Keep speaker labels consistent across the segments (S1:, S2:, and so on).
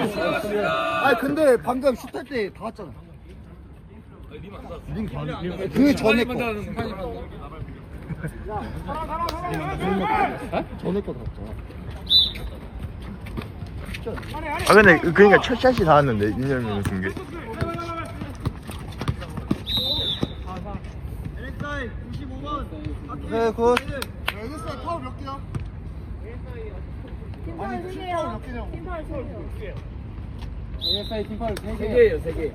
S1: 아니 근데 방금 슛할 때 다 왔잖아. 그 전에 거. 전에 거 다 왔잖아.
S2: 아 근데 그러니까 첫 샷이 다 왔는데 윤열민 쓴 게.
S1: 네, 굿.
S3: NSI 파울 몇 개야?
S4: 팀파울 3개요. 팀파울 3개요.
S5: ASI 팀파울
S6: 3개예요, 3개.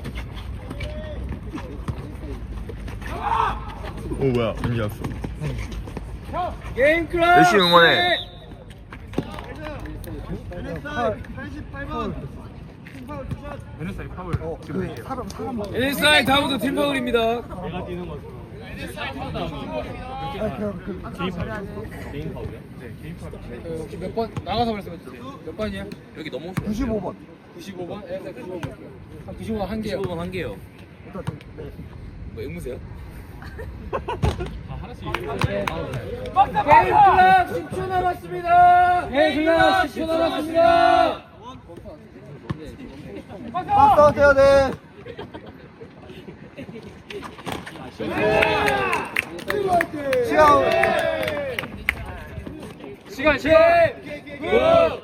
S2: 오 뭐야 언제 왔어?
S6: 게임 클럽!
S2: 열심히 응원해.
S3: NSI 88번 팀파울 2샷.
S1: NSI 사람.
S6: NSI 다음부터 팀파울입니다.
S5: 혹시 몇 번 나가서 말씀해주세요. 몇 번이야?
S6: 여기 넘어오세요.
S1: 95번.
S5: 95번? ASI 95번 볼게요. 한 95번 한 개요.
S6: 15번 한 개요. 뭐 앵무새요? 게임 클럽 10초 남았습니다.
S5: 게임 클럽 10초 남았습니다.
S1: 박스 해야 돼. 시간.
S6: 시간 10, 9,